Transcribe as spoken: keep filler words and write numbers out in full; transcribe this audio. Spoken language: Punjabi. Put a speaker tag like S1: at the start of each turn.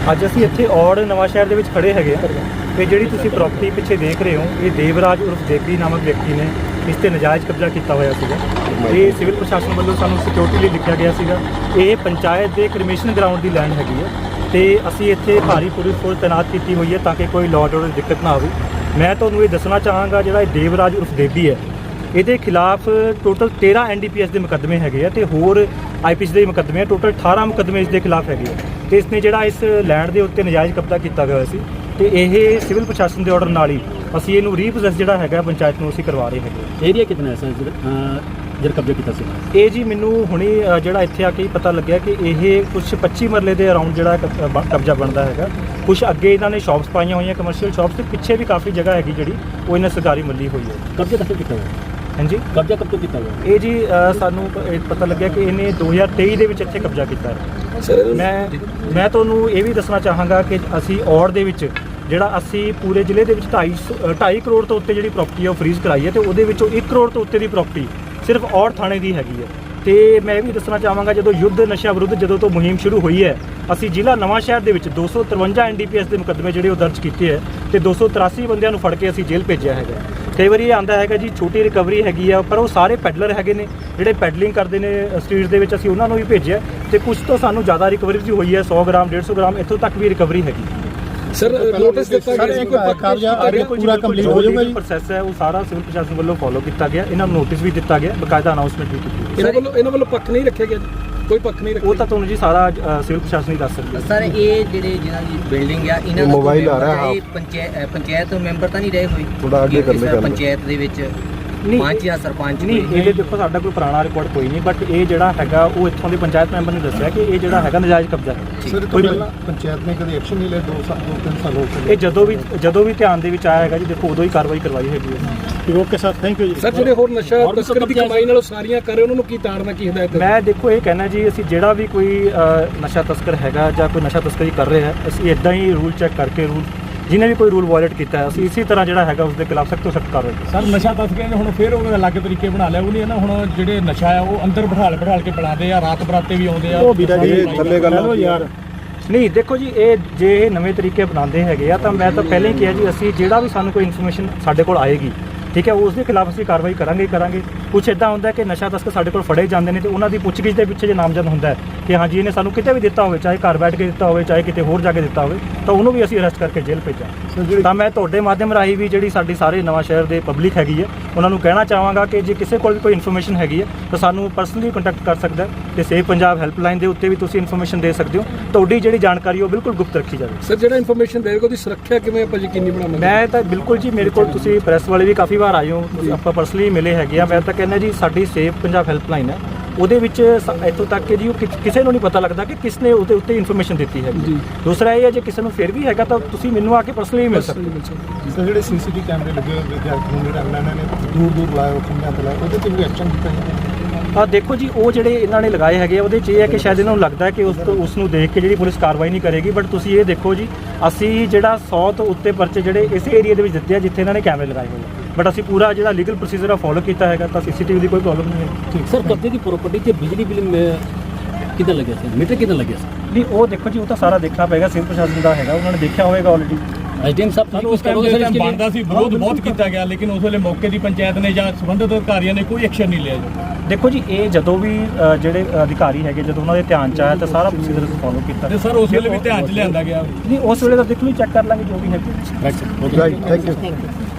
S1: ਅੱਜ ਅਸੀਂ ਇੱਥੇ ਔੜ ਨਵਾਂ ਸ਼ਹਿਰ ਦੇ ਵਿੱਚ ਖੜੇ ਹੈਗੇ ਆ ਤੇ ਜਿਹੜੀ ਤੁਸੀਂ ਪ੍ਰਾਪਰਟੀ ਪਿੱਛੇ ਦੇਖ ਰਹੇ ਹੋ ਇਹ ਦੇਵਰਾਜ ਉਰਫ ਦੇਵੀ ਨਾਮਕ ਵਿਅਕਤੀ ਨੇ ਇਸ ਤੇ ਨਜਾਇਜ਼ ਕਬਜ਼ਾ ਕੀਤਾ ਹੋਇਆ ਸੀਗਾ। ਇਹ ਸਿਵਲ ਪ੍ਰਸ਼ਾਸਨ ਵੱਲੋਂ ਸਾਨੂੰ ਸਿਕਿਉਰਿਟੀ ਲਈ ਲਿਖਿਆ ਗਿਆ ਸੀਗਾ। ਇਹ ਪੰਚਾਇਤ ਦੇ ਕ੍ਰਿਮੀਨਲ ਗਰਾਊਂਡ ਦੀ ਲੈਂਡ ਹੈਗੀ ਹੈ ਤੇ ਅਸੀਂ ਇੱਥੇ ਭਾਰੀ ਪੁਲਿਸ ਫੋਰਸ ਤੈਨਾਤ ਕੀਤੀ ਹੋਈ ਹੈ ਤਾਂ ਕਿ ਕੋਈ ਲਾਅ ਆਰਡਰ ਦੀ ਦਿੱਕਤ ਨਾ ਆਵੇ। ਮੈਂ ਤੁਹਾਨੂੰ ਇਹ ਦੱਸਣਾ ਚਾਹਾਂਗਾ ਜਿਹੜਾ ਇਹ ਦੇਵਰਾਜ ਉਰਫ ਦੇਵੀ ਹੈ ਇਹਦੇ ਖਿਲਾਫ ਟੋਟਲ ਤੇਰਾਂ ਐਨ ਡੀ ਪੀ ਐਸ ਦੇ ਮੁਕੱਦਮੇ ਹੈਗੇ ਆ ਤੇ ਹੋਰ ਆਈ ਪੀ ਸੀ ਦੇ ਮੁਕੱਦਮੇ ਆ। ਟੋਟਲ ਅਠਾਰਾਂ ਮੁਕੱਦਮੇ ਇਸ ਦੇ ਖਿਲਾਫ ਹੈਗੇ ਆ ਤੇ ਇਸਨੇ ਜਿਹੜਾ ਇਸ ਲੈਂਡ ਦੇ ਉੱਤੇ ਨਜਾਇਜ਼ ਕਬਜ਼ਾ ਕੀਤਾ ਗਿਆ ਸੀ ਤੇ ਇਹ ਸਿਵਲ ਪ੍ਰਸ਼ਾਸਨ ਦੇ ਆਰਡਰ ਨਾਲ ਹੀ ਅਸੀਂ ਇਹਨੂੰ ਰੀਪੋਸੈਸ ਜਿਹੜਾ ਹੈਗਾ ਪੰਚਾਇਤ ਨੂੰ ਅਸੀਂ ਕਰਵਾ ਰਹੇ ਹੈਗੇ।
S2: ਏਰੀਆ ਕਿੰਨਾ ਹੈ ਸਰ ਜਿਹੜਾ ਕਬਜ਼ਾ ਕੀਤਾ ਸੀ?
S1: ਇਹ ਜੀ ਮੈਨੂੰ ਹੁਣੇ ਜਿਹੜਾ ਇੱਥੇ ਆ ਕੇ ਪਤਾ ਲੱਗਿਆ ਕਿ ਇਹ ਕੁਛ ਪੱਚੀ ਮਰਲੇ ਦੇ ਅਰਾਊਂਡ ਜਿਹੜਾ ਕਬਜ਼ਾ ਬਣਦਾ ਹੈਗਾ। ਕੁਛ ਅੱਗੇ ਇਹਨਾਂ ਨੇ ਸ਼ਾਪਸ ਪਾਈਆਂ ਹੋਈਆਂ ਕਮਰਸ਼ੀਅਲ ਸ਼ਾਪਸ ਤੇ ਪਿੱਛੇ ਵੀ ਕਾਫੀ ਜਗ੍ਹਾ ਹੈਗੀ ਜਿਹੜੀ ਉਹ ਇਹਨਾਂ ਸਰਕਾਰੀ ਮੱਲੀ ਹੋਈ ਹੈ।
S2: ਕਬਜ਼ਾ ਕਦੋਂ ਕੀਤਾ ਹੋਇਆ?
S1: ਹਾਂਜੀ,
S2: ਕਬਜ਼ਾ ਕਦੋਂ ਕੀਤਾ ਹੋਇਆ?
S1: ਇਹ ਜੀ ਸਾਨੂੰ ਪਤਾ ਲੱਗਿਆ ਕਿ ਇਹਨੇ ਦੋ ਹਜ਼ਾਰ ਤੇਈ ਦੇ ਵਿੱਚ ਇੱਥੇ ਕਬਜ਼ਾ ਕੀਤਾ ਹੈ। ਮੈਂ ਮੈਂ ਤੁਹਾਨੂੰ ਇਹ ਵੀ ਦੱਸਣਾ ਚਾਹਾਂਗਾ ਕਿ ਅਸੀਂ ਔੜ ਦੇ ਵਿੱਚ ਜਿਹੜਾ ਅਸੀਂ ਪੂਰੇ ਜ਼ਿਲ੍ਹੇ ਦੇ ਵਿੱਚ ਢਾਈ ਢਾਈ ਕਰੋੜ ਤੋਂ ਉੱਤੇ ਜਿਹੜੀ ਪ੍ਰਾਪਰਟੀ ਹੈ ਉਹ ਫਰੀਜ਼ ਕਰਾਈ ਹੈ ਤੇ ਉਹਦੇ ਵਿੱਚੋਂ ਇੱਕ ਕਰੋੜ ਤੋਂ ਉੱਤੇ ਦੀ ਪ੍ਰਾਪਰਟੀ ਸਿਰਫ ਔੜ ਥਾਣੇ ਦੀ ਹੈਗੀ ਹੈ। ਤੇ ਮੈਂ ਇਹ ਵੀ ਦੱਸਣਾ ਚਾਹਾਂਗਾ ਜਦੋਂ ਯੁੱਧ ਨਸ਼ਾ ਵਿਰੁੱਧ ਜਦੋਂ ਤੋਂ ਮੁਹਿੰਮ ਸ਼ੁਰੂ ਹੋਈ ਹੈ ਅਸੀਂ ਜ਼ਿਲ੍ਹਾ ਨਵਾਂ ਸ਼ਹਿਰ ਦੇ ਵਿੱਚ ਦੋ ਸੌ ਤਰਵੰਜਾ ਐਨ ਡੀ ਪੀ ਐਸ ਦੇ ਮੁਕੱਦਮੇ ਜਿਹੜੇ ਉਹ ਦਰਜ ਕੀਤੇ ਹੈ ਤੇ ਦੋ ਸੌ ਤਰਾਸੀ ਬੰਦਿਆਂ ਨੂੰ ਫੜ ਕੇ ਅਸੀਂ ਜੇਲ੍ਹ ਭੇਜਿਆ ਹੈਗਾ। ਕਈ ਵਾਰੀ ਇਹ ਆਉਂਦਾ ਹੈਗਾ ਜੀ ਛੋਟੀ ਰਿਕਵਰੀ ਹੈਗੀ ਆ ਪਰ ਉਹ ਸਾਰੇ ਪੈਡਲਰ ਹੈਗੇ ਨੇ ਜਿਹੜੇ ਪੈਡਲਿੰਗ ਕਰਦੇ ਨੇ ਸਟਰੀਟਸ ਦੇ ਵਿੱਚ ਅਸੀਂ ਉਹਨਾਂ ਨੂੰ ਵੀ ਭੇਜਿਆ ਤੇ ਕੁਝ ਤੋਂ ਸਾਨੂੰ ਜ਼ਿਆਦਾ ਰਿਕਵਰੀ ਵੀ ਹੋਈ ਹੈ ਸੌ ਗ੍ਰਾਮ ਡੇਢ ਸੌ ਗ੍ਰਾਮ ਇੱਥੋਂ ਤੱਕ ਵੀ ਰਿਕਵਰੀ ਹੈਗੀ।
S3: ਸਰ ਨੋਟਿਸ ਦਿੱਤਾ ਗਿਆ ਸੀ ਕੋਈ ਕਬਜ਼ਾ
S1: ਪੂਰਾ ਕੰਪਲੀਟ ਹੋ ਜਾਊਗਾ ਜੀ। ਪ੍ਰੋਸੈਸ ਹੈ ਉਹ ਸਾਰਾ ਸਿਵਲ ਪ੍ਰਸ਼ਾਸਨ ਵੱਲੋਂ ਫੋਲੋ ਕੀਤਾ ਗਿਆ। ਇਹਨਾਂ ਨੂੰ ਨੋਟਿਸ ਵੀ ਦਿੱਤਾ ਗਿਆ, ਬਕਾਇਦਾ ਅਨਾਉਂਸਮੈਂਟ ਵੀ ਕੀਤੀ।
S3: ਇਹਨਾਂ ਵੱਲੋਂ ਇਹਨਾਂ ਵੱਲੋਂ ਪੱਖ ਨਹੀਂ ਰੱਖਿਆ ਗਿਆ ਜੀ? ਕੋਈ ਪੱਖ ਨਹੀਂ ਰੱਖਿਆ?
S1: ਉਹ ਤਾਂ ਤੁਹਾਨੂੰ ਜੀ ਸਾਰਾ ਸਿਵਲ ਪ੍ਰਸ਼ਾਸਨ ਹੀ ਦੱਸ ਸਕਦਾ।
S4: ਸਰ ਇਹ ਜਿਹੜੇ ਜਿਹਨਾਂ ਦੀ ਬਿਲਡਿੰਗ ਆ ਇਹਨਾਂ ਦਾ ਮੋਬਾਈਲ ਆ ਰਿਹਾ ਪੰਚਾਇਤ ਪੰਚਾਇਤ ਮੈਂਬਰ ਤਾਂ ਨਹੀਂ ਰਹੇ ਹੋਏ
S5: ਥੋੜਾ ਅੱਗੇ ਕਰ ਲੈ
S4: ਪੰਚਾਇਤ ਦੇ ਵਿੱਚ ਪੰਚ ਜਾਂ ਸਰਪੰਚ?
S1: ਨਹੀਂ, ਇਹਦੇ ਦੇਖੋ ਸਾਡਾ ਕੋਈ ਪੁਰਾਣਾ ਰਿਕਾਰਡ ਕੋਈ ਨਹੀਂ ਬਟ ਇਹ ਜਿਹੜਾ ਹੈਗਾ ਉਹ ਇੱਥੋਂ ਦੇ ਪੰਚਾਇਤ ਮੈਂਬਰ ਨੇ ਦੱਸਿਆ ਕਿ ਇਹ ਜਿਹੜਾ ਹੈਗਾ ਨਜਾਇਜ਼ ਕਬਜ਼ਾ ਹੈ।
S5: ਸਰ ਪਹਿਲਾਂ ਪੰਚਾਇਤ ਨੇ ਕਦੇ ਐਕਸ਼ਨ ਨਹੀਂ ਲਿਆ? ਦੋ ਸਾਲ ਦੋ ਤਿੰਨ ਸਾਲ ਹੋ ਗਏ।
S1: ਇਹ ਜਦੋਂ ਵੀ ਜਦੋਂ ਵੀ ਧਿਆਨ ਦੇ ਵਿੱਚ ਆਇਆ ਹੈਗਾ ਜੀ ਦੇਖੋ ਉਦੋਂ ਹੀ ਕਾਰਵਾਈ ਕਰਵਾਈ ਹੈਗੀ ਹੈ।
S5: Okay sir, thank you ji.
S3: Sir ਜਿਹੜੇ ਹੋਰ ਨਸ਼ਾ ਤਸਕਰੀ ਦੀ ਕਮਾਈ ਨਾਲ ਸਾਰੀਆਂ ਕਰ ਰਹੇ ਉਹਨਾਂ ਨੂੰ ਕੀ ਤਾੜਨਾ ਕੀ ਹਦਾਇਤ?
S1: ਮੈਂ ਦੇਖੋ ਇਹ ਕਹਿਣਾ ਜੀ ਅਸੀਂ ਜਿਹੜਾ ਵੀ ਕੋਈ ਨਸ਼ਾ ਤਸਕਰ ਹੈਗਾ ਜਾਂ ਕੋਈ ਨਸ਼ਾ ਤਸਕਰੀ ਕਰ ਰਿਹਾ ਹੈ ਅਸੀਂ ਇੱਦਾਂ ਹੀ ਰੂਲ ਚੈੱਕ ਕਰਕੇ ਰੂਲ ਜਿਹਨੇ ਵੀ ਕੋਈ ਰੂਲ ਵਾਇਲੇਟ ਕੀਤਾ ਹੈ ਅਸੀਂ ਇਸੇ ਤਰ੍ਹਾਂ ਜਿਹੜਾ ਹੈਗਾ ਉਸ ਦੇ ਖਿਲਾਫ ਸਖਤ ਤੋਂ ਸਖਤ ਕਾਰਵਾਈ।
S6: ਸਰ ਨਸ਼ਾ ਤਸਕਰਾਂ ਨੇ ਹੁਣ ਫਿਰ ਉਹ ਅਲੱਗ ਤਰੀਕੇ ਬਣਾ ਲਿਆ। ਉਹ ਨਹੀਂ ਨਾ ਹੁਣ ਜਿਹੜੇ ਨਸ਼ਾ ਆ ਉਹ ਅੰਦਰ ਬਿਠਾਲ ਬਿਠਾਲ ਕੇ ਬਣਾਉਂਦੇ ਆ, ਰਾਤ ਬਰਾਤੇ ਵੀ ਆਉਂਦੇ ਆ।
S5: ਉਹ ਵੀਰਾ ਜੀ ਥੱਲੇ ਗੱਲ ਹੋ ਯਾਰ।
S1: ਨਹੀਂ ਦੇਖੋ ਜੀ ਇਹ ਜੇ ਇਹ ਨਵੇਂ ਤਰੀਕੇ ਬਣਾਉਂਦੇ ਹੈਗੇ ਆ ਤਾਂ ਮੈਂ ਤਾਂ ਪਹਿਲਾਂ ਹੀ ਕਿਹਾ ਜੀ ਅਸੀਂ ਜਿਹੜਾ ਵੀ ਸਾਨੂੰ ਕੋਈ ਇਨਫੋਰਮੇਸ਼ਨ ਸਾਡੇ ਕੋਲ ਆਏਗੀ ਠੀਕ ਹੈ ਉਸ ਦੇ ਖਿਲਾਫ ਅਸੀਂ ਕਾਰਵਾਈ ਕਰਾਂਗੇ ਕਰਾਂਗੇ ਕੁਛ ਇੱਦਾਂ ਹੁੰਦਾ ਕਿ ਨਸ਼ਾ ਤਸਕਰ ਸਾਡੇ ਕੋਲ ਫੜੇ ਜਾਂਦੇ ਨੇ ਤੇ ਉਹਨਾਂ ਦੀ ਪੁੱਛਗਿੱਛ ਦੇ ਪਿੱਛੇ ਜੇ ਨਾਮਜ਼ਦ ਹੁੰਦਾ ਹੈ ਕਿ ਹਾਂਜੀ ਇਹਨੇ ਸਾਨੂੰ ਕਿਤੇ ਵੀ ਦਿੱਤਾ ਹੋਵੇ ਚਾਹੇ ਘਰ ਬੈਠ ਕੇ ਦਿੱਤਾ ਹੋਵੇ ਚਾਹੇ ਕਿਤੇ ਹੋਰ ਜਾ ਕੇ ਦਿੱਤਾ ਹੋਵੇ ਤਾਂ ਉਹਨੂੰ ਵੀ ਅਸੀਂ ਅਰੈਸਟ ਕਰਕੇ ਜੇਲ੍ਹ ਭੇਜਾਂ। ਤਾਂ ਮੈਂ ਤੁਹਾਡੇ ਮਾਧਿਅਮ ਰਾਹੀਂ ਵੀ ਜਿਹੜੀ ਸਾਡੀ ਸਾਰੇ ਨਵਾਂ ਸ਼ਹਿਰ ਦੇ ਪਬਲਿਕ ਹੈਗੀ ਹੈ ਉਹਨਾਂ ਨੂੰ ਕਹਿਣਾ ਚਾਹਾਂਗਾ ਕਿ ਜੇ ਕਿਸੇ ਕੋਲ ਵੀ ਕੋਈ ਇਨਫੋਰਮੇਸ਼ਨ ਹੈਗੀ ਹੈ ਤਾਂ ਸਾਨੂੰ ਪਰਸਨਲੀ ਕੰਟੈਕਟ ਕਰ ਸਕਦਾ ਤੇ ਸੇਵ ਪੰਜਾਬ ਹੈਲਪਲਾਈਨ ਦੇ ਉੱਤੇ ਵੀ ਤੁਸੀਂ ਇਨਫੋਰਮੇਸ਼ਨ ਦੇ ਸਕਦੇ ਹੋ। ਤੁਹਾਡੀ ਜਿਹੜੀ ਜਾਣਕਾਰੀ ਉਹ ਬਿਲਕੁਲ ਗੁਪਤ ਰੱਖੀ ਜਾਵੇ।
S3: ਸਰ ਜਿਹੜਾ ਇਨਫੋਰਮੇਸ਼ਨ ਦੇਵੇਗਾ ਉਹਦੀ ਸੁਰੱਖਿਆ ਕਿਵੇਂ ਆਪਾਂ ਯਕੀਨੀ ਬਣਾਵਾਂਗੇ?
S1: ਮੈਂ ਤਾਂ ਬਿਲਕੁਲ ਜੀ ਮੇਰੇ ਕੋਲ ਤੁਸੀਂ ਪ੍ਰੈਸ ਵਾਲੇ ਵੀ ਕਾਫੀ ਵਾਰ ਆਏ ਹੋ ਆਪਾਂ ਪਰਸਨਲੀ ਮਿਲੇ ਹੈਗੇ ਆ। ਮੈਂ ਤਾਂ ਕਹਿੰਦਾ ਜੀ ਸਾਡੀ ਸੇਵ ਪੰਜਾਬ ਹੈਲਪਲਾਈਨ ਹੈ ਉਹਦੇ ਵਿੱਚ ਇੱਥੋਂ ਤੱਕ ਕਿ ਜੀ ਉਹ ਕਿਸੇ ਨੂੰ ਨਹੀਂ ਪਤਾ ਲੱਗਦਾ ਕਿ ਕਿਸ ਨੇ ਉਹਦੇ ਉੱਤੇ ਇਨਫੋਰਮੇਸ਼ਨ ਦਿੱਤੀ ਹੈ। ਦੂਸਰਾ ਇਹ ਹੈ ਜੇ ਕਿਸੇ ਨੂੰ ਫਿਰ ਵੀ ਹੈਗਾ ਤਾਂ ਤੁਸੀਂ ਮੈਨੂੰ ਆ ਕੇ ਪਰਸਨਲੀ ਮਿਲ ਸਕਦੇ ਹੋ।
S5: ਸਰ ਜਿਹੜੇ ਸੀ ਸੀ ਟੀ ਕੈਮਰੇ ਲੱਗੇ ਹੋਏ ਵਿਦਿਆਰਥੀ ਨੂੰ ਜਿਹੜਾ ਇਹਨਾਂ ਨੇ ਦੂਰ ਦੂਰ ਲਾਇਆ ਉਹ ਖੰਭਿਆਂ ਤੇ ਲਾਇਆ ਉਹਦੇ ਤੇ ਵੀ ਐਕਸ਼ਨ ਕੀਤਾ ਜਾਂਦਾ?
S1: ਆ ਦੇਖੋ ਜੀ ਉਹ ਜਿਹੜੇ ਇਹਨਾਂ ਨੇ ਲਗਾਏ ਹੈਗੇ ਉਹਦੇ 'ਚ ਇਹ ਹੈ ਕਿ ਸ਼ਾਇਦ ਇਹਨਾਂ ਨੂੰ ਲੱਗਦਾ ਹੈ ਕਿ ਉਸ ਉਸ ਨੂੰ ਦੇਖ ਕੇ ਜਿਹੜੀ ਪੁਲਿਸ ਕਾਰਵਾਈ ਨਹੀਂ ਕਰੇਗੀ ਬਟ ਤੁਸੀਂ ਇਹ ਦੇਖੋ ਜੀ ਅਸੀਂ ਜਿਹੜਾ ਸੌ ਤੋਂ ਉੱਤੇ ਪਰਚੇ ਜਿਹੜੇ ਇਸੇ ਏਰੀਆ ਦੇ ਵਿੱਚ ਦਿੱਤੇ ਆ ਜਿੱਥੇ ਇਹਨਾਂ ਨੇ ਕੈਮਰੇ ਲਗਾਏ ਹੋਏ ਆ ਬਟ ਅਸੀਂ ਪੂਰਾ ਜਿਹੜਾ ਲੀਗਲ ਪ੍ਰੋਸੀਜਰ ਆ ਫੋਲੋ ਕੀਤਾ ਹੈਗਾ ਤਾਂ ਸੀ ਸੀ ਟੀ ਵੀ ਦੀ ਕੋਈ ਪ੍ਰੋਬਲਮ ਨਹੀਂ ਹੈ।
S2: ਠੀਕ ਸਰ ਕਬਜ਼ੇ ਦੀ ਪ੍ਰੋਪਰਟੀ ਤੇ ਬਿਜਲੀ ਬਿੱਲ ਕਿੱਦਾਂ ਲੱਗਿਆ ਸੀ? ਮੀਟਰ ਕਿੱਦਾਂ ਲੱਗਿਆ ਸੀ?
S1: ਨਹੀਂ ਉਹ ਦੇਖੋ ਜੀ ਉਹ ਤਾਂ ਸਾਰਾ ਦੇਖਣਾ ਪਏਗਾ ਸਿਵਲ ਪ੍ਰਸ਼ਾਸਨ ਦਾ ਹੈਗਾ ਉਹਨਾਂ ਨੇ ਦੇਖਿਆ ਹੋਵੇਗਾ ਆਲਰੇਡੀ।
S2: ਐਸ ਡੀ ਐਮ ਸਾਹਿਬ
S6: ਸਾਨੂੰ ਉਸ ਟਾਈਮ ਬਣਦਾ ਸੀ ਵਿਰੋਧ ਬਹੁਤ ਕੀਤਾ ਗਿਆ ਲੇਕਿਨ ਉਸ ਵੇਲੇ ਮੌਕੇ ਦੀ ਪੰਚਾਇਤ ਨੇ ਜਾਂ ਸੰਬੰਧਿਤ ਅਧਿਕਾਰੀਆਂ ਨੇ ਕੋਈ ਐਕਸ਼ਨ ਨਹੀਂ ਲਿਆ ਜੀ।
S1: ਦੇਖੋ ਜੀ ਇਹ ਜਦੋਂ ਵੀ ਜਿਹੜੇ ਅਧਿਕਾਰੀ ਹੈਗੇ ਜਦੋਂ ਉਹਨਾਂ ਦੇ ਧਿਆਨ 'ਚ ਆਇਆ ਤਾਂ ਸਾਰਾ ਪ੍ਰੋਸੀਜਰ ਫੋਲੋ ਕੀਤਾ
S6: ਤੇ ਸਰ ਉਸ ਵੇਲੇ ਵੀ ਧਿਆਨ 'ਚ ਲਿਆਂਦਾ ਗਿਆ।
S1: ਨਹੀਂ ਉਸ ਵੇਲੇ ਤਾਂ ਦੇਖ ਲਓ ਚੈੱਕ ਕਰ ਲਾਂਗੇ ਜੋ ਵੀ ਹੈ।
S5: Right, thank you.